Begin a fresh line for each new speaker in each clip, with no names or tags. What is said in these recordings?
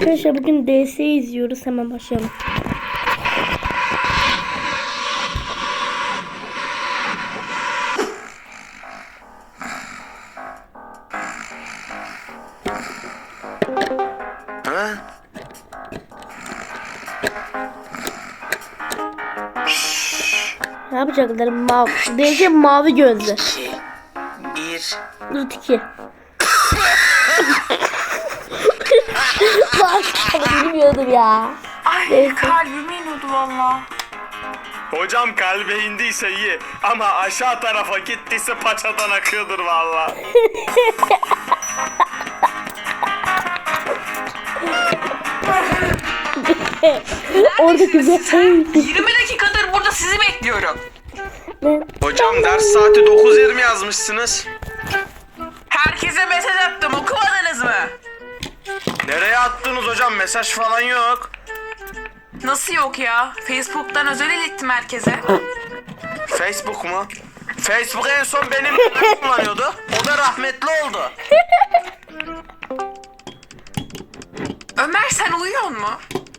Arkadaşlar bugün DS izliyoruz. Hemen başlayalım. Ne yapacaklar? DS mavi gözlü.
1
Dur 2. Bak bilmiyordum ya.
Ay
Neyse.
kalbime iniyordu valla.
Hocam kalbe indiyse iyi ama aşağı tarafa gittiyse paçadan akıyordur valla.
Orada güzel.
20 dakikadır burada sizi bekliyorum.
Hocam ders saati 9:20 yazmışsınız.
Herkese mesaj attım, okumadınız mı?
Nereye attınız hocam, mesaj falan yok.
Nasıl yok ya? Facebook'tan özel ilettim herkese.
Facebook mu? Facebook en son benim kullanıyordu. O da rahmetli oldu.
Ömer sen uyuyor mu?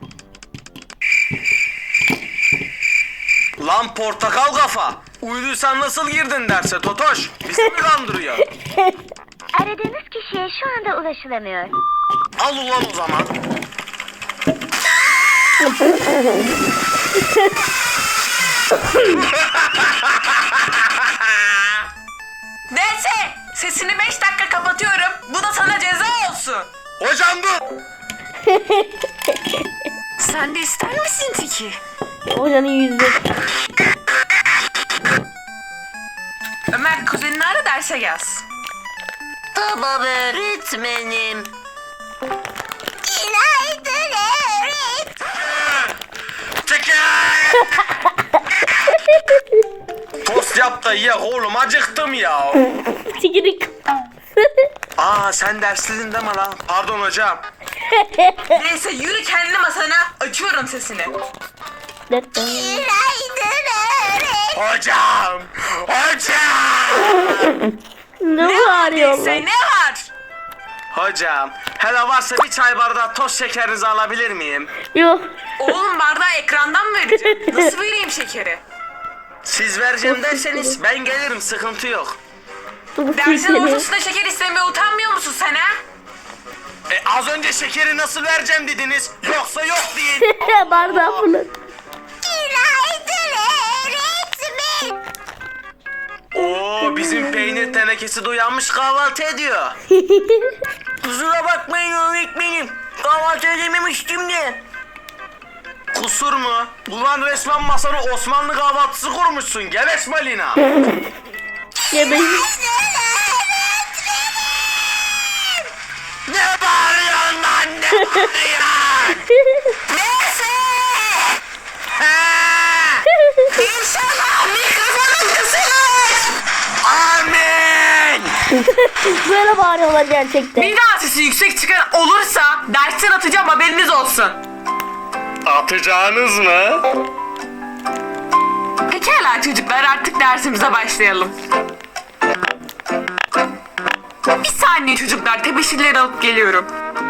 Lan portakal kafa. Uyuduysan nasıl girdin derse Totoş? Bizi mi kandırıyor?
Aradığınız kişiye şu anda ulaşılamıyor.
Al ulan o zaman.
Neyse sesini 5 dakika kapatıyorum. Bu da sana ceza olsun.
Hocam dur.
Sen de ister misin Tiki?
Hocanın yüzü.
Ömer kuzenini ara derse yaz.
Tamam öğretmenim. Günaydın
Tost yap da ye oğlum, acıktım ya.
Tikirik.
Aa sen dersliydin deme lan. Pardon hocam.
Neyse yürü kendi masana. Açıyorum sesini.
Hocam. Hocam.
Ne
Ne var
bağırıyorlar?
neyse ne var?
Hocam. Hele varsa bir çay bardağı toz şekerinizi alabilir miyim?
Yok.
Oğlum bardağı ekrandan mı vereceğim? Nasıl vereyim şekeri?
Siz vereceğim derseniz ben gelirim, sıkıntı yok.
Dersin ortasında şeker istemeye utanmıyor musun sen ha?
Az önce şekeri nasıl vereceğim dediniz. Yoksa yok deyin.
Bardağı fırlat.
Günaydın öğretmenim.
Oo, bizim peynir tenekesi de uyanmış, kahvaltı ediyor. Kusura bakmayın öğretmenim. Kahvaltı edememiştim de. Kusur mu? Ulan resmen masana Osmanlı kahvaltısı kurmuşsun. Gebeş Malina.
Yemeği.
Ne bağırıyorsun lan, ne bağırıyorsun?
Neyse.
Ha!
İnşallah mikrofonun kısılır.
Amin.
Böyle bağırıyorlar gerçekten.
Bir daha sesi yüksek çıkan olursa dersten atacağım, haberiniz olsun.
Atacağınız mı?
Pekala çocuklar, artık dersimize başlayalım. Bir saniye çocuklar, tebeşirleri alıp geliyorum.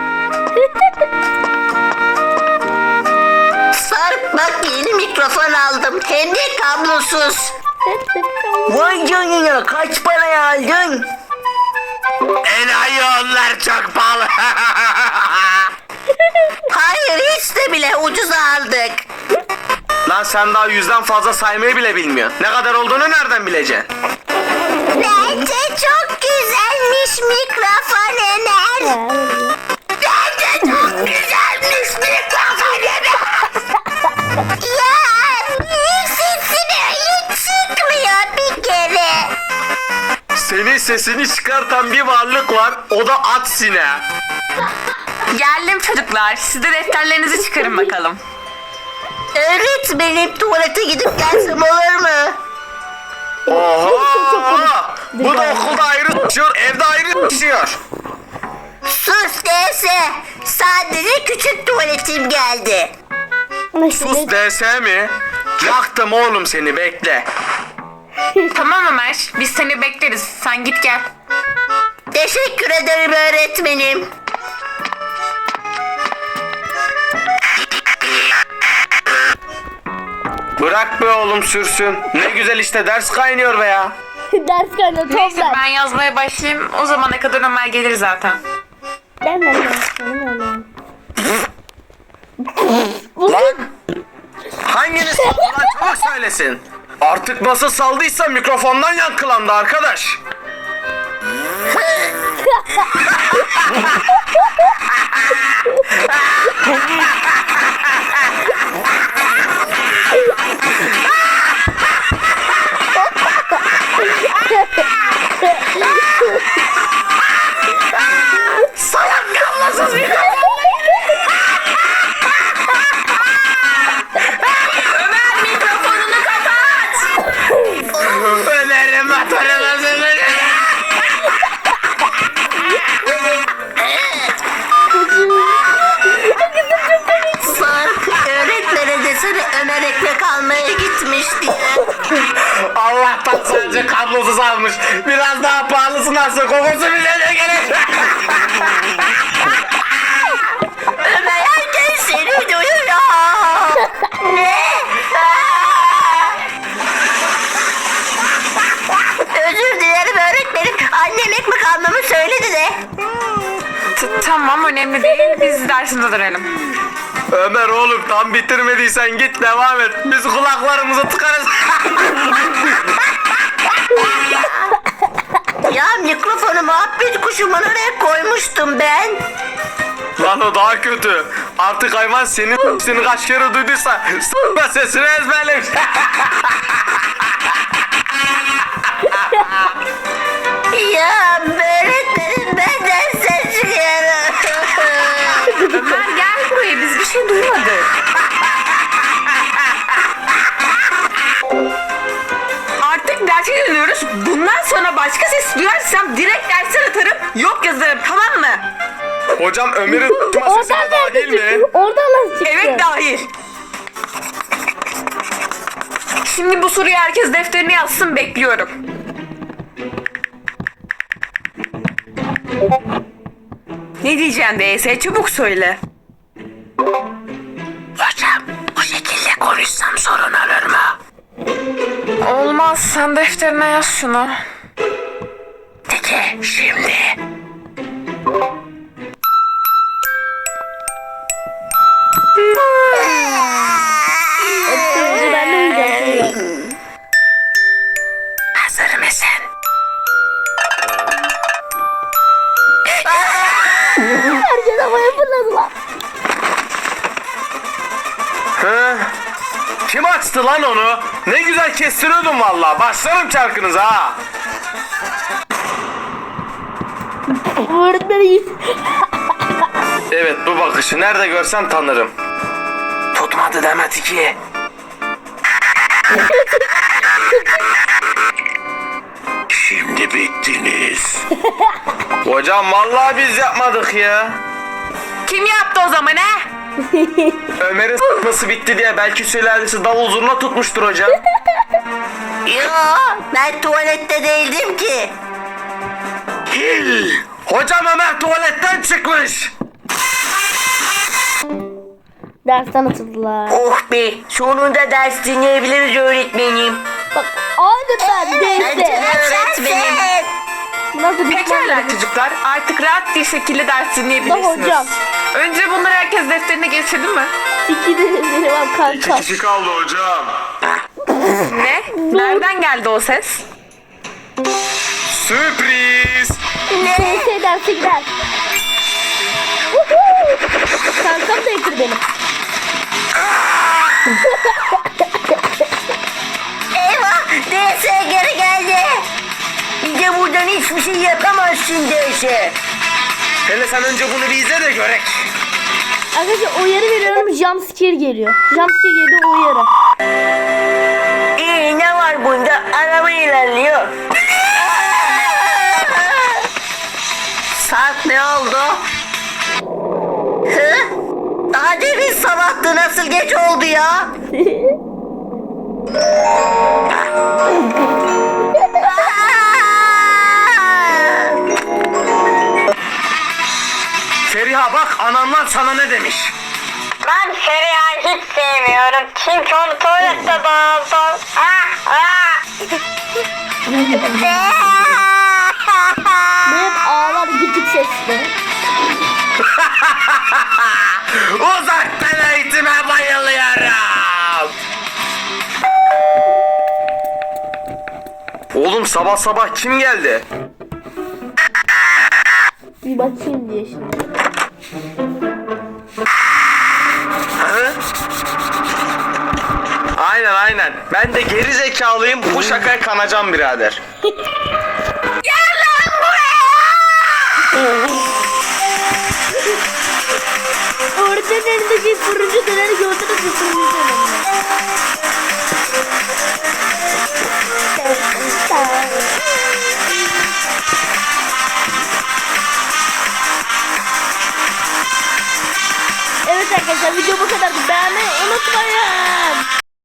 Sarp bak yeni mikrofon aldım. Hem de kablosuz.
Vay canına, kaç paraya aldın? Enayi onlar, çok pahalı.
Hayır hiç de bile ucuza aldık.
Lan sen daha 100'den fazla saymayı bile bilmiyorsun. Ne kadar olduğunu nereden bileceksin?
Bence çok güzelmiş mikrofon Ömer. Bence çok güzelmiş mikrofon Ömer. Ya niye sesin öyle çıkmıyor bir kere?
Senin sesini çıkartan bir varlık var, o da at sineği.
Geldim çocuklar, siz de defterlerinizi çıkarın bakalım.
Öğretmenim tuvalete gidip gelsem olur mu?
Oha! Bu da okulda ayrı düşüyor, evde ayrı düşüyor.
Sus dese. Sadece küçük tuvaletim geldi.
Sus DS mi? Yaktım oğlum seni, bekle.
Tamam Ömer, biz seni bekleriz. Sen git gel.
Teşekkür ederim öğretmenim.
Bırak be oğlum sürsün. Ne güzel işte ders kaynıyor be ya.
Ders kaynağı
Neyse
toplar.
ben yazmaya başlayayım. O zamana kadar Ömer gelir zaten.
Lan! Hanginiz saldı lan çabuk söylesin. Artık nasıl saldıysa mikrofondan yankılandı arkadaş. Salak kablosuz
Ömer mikrofonunu kapat.
Ömer'im atarım.
Sarp öğretmene desene Ömer ekmek almaya gitmiş diye.
Allah'tan sadece kablosuz almış. Biraz daha pahalısını alsa kokusu bile de gelir.
Ömer herkes seni duyuyor. Ne? Özür dilerim öğretmenim. Annem ekmek almamı söyledi de.
Tamam önemli değil. Biz dersimize dönelim.
Ömer oğlum tam bitirmediysen git devam et. Biz kulaklarımızı tıkarız.
Ya mikrofonu muhabbet kuşumun oraya koymuştum ben.
Lan o daha kötü. Artık hayvan senin seni kaç kere duyduysa s**ma sesini ezberlemiş.
Ya öğretmenim benden ses çıkıyor.
Ömer gel buraya. Biz bir şey duymadık. Artık derse dönüyoruz. Bundan sonra başka ses duyarsam direkt dersten atarım. Yok yazarım, tamam mı?
Hocam Ömer'in s**ma sesi
Oradan
daha
nerede
değil mi?
çıktı? Oradan nasıl çıktı?
Evet dahil. Şimdi bu soruyu herkes defterine yazsın, bekliyorum. Ne diyeceksin DS? Çabuk söyle.
Hocam bu şekilde konuşsam sorun olur mu?
Olmaz, sen defterine yaz şunu.
Peki şimdi.
Şimdi ben de uyuyacağım.
Hazır mısın?
Herkes havaya fırladı lan.
Hı? Kim açtı lan onu? Ne güzel kestiriyordum valla. Başlarım çarkınıza ha.
Öğretmeni
Evet bu bakışı nerede görsem tanırım. Tutmadı deme Tiki. Şimdi bittiniz. Hocam vallahi biz yapmadık ya.
Kim yaptı o zaman he?
Ömer'in s**ması bitti diye belki sülalesi davul zurna tutmuştur hocam.
Yo ben tuvalette değildim ki.
Hocam Ömer tuvaletten çıkmış.
dersten atıldılar.
Oh be sonunda ders dinleyebiliriz öğretmenim.
Bak aynı ben değilse.
Öğretmenim.
Nasıl bir
Pekala çocuklar, artık rahat bir şekilde ders dinleyebilirsiniz.
Hocam.
Önce bunları herkes defterine geçirdi mi?
Sikidi benim kanka.
Kişi kaldı hocam.
Ne? Nereden geldi o ses?
Sürpriz.
Neyse derse gider. Woohoo! Kankam da yıkır beni.
Eyvah DS geri geldi. Bir de buradan hiçbir şey yapamazsın DS.
Hele sen önce bunu bir izle de görek.
Arkadaşlar uyarı veriyorum, jumpscare geliyor. Jumpscare geliyor, uyarı.
İyi ne var bunda? Araba ilerliyor. Sarp ne oldu? Hı? Daha demin sabahtı nasıl geç oldu ya?
Feriha bak ananlar sana ne demiş.
Ben Feriha'yı hiç sevmiyorum. Çünkü onu tuvalette buldum.
Benim ağlar gıcık sesli.
Uzaktan eğitime bayılıyorum. Oğlum sabah sabah kim geldi?
Bir bakayım diye şimdi.
Hı? Aynen. Ben de geri zekalıyım. Bu şakaya kanacağım birader.
Öğretmenin elindeki turuncu döneri gördünüz mü? Turuncu döneri. Evet arkadaşlar video bu kadar.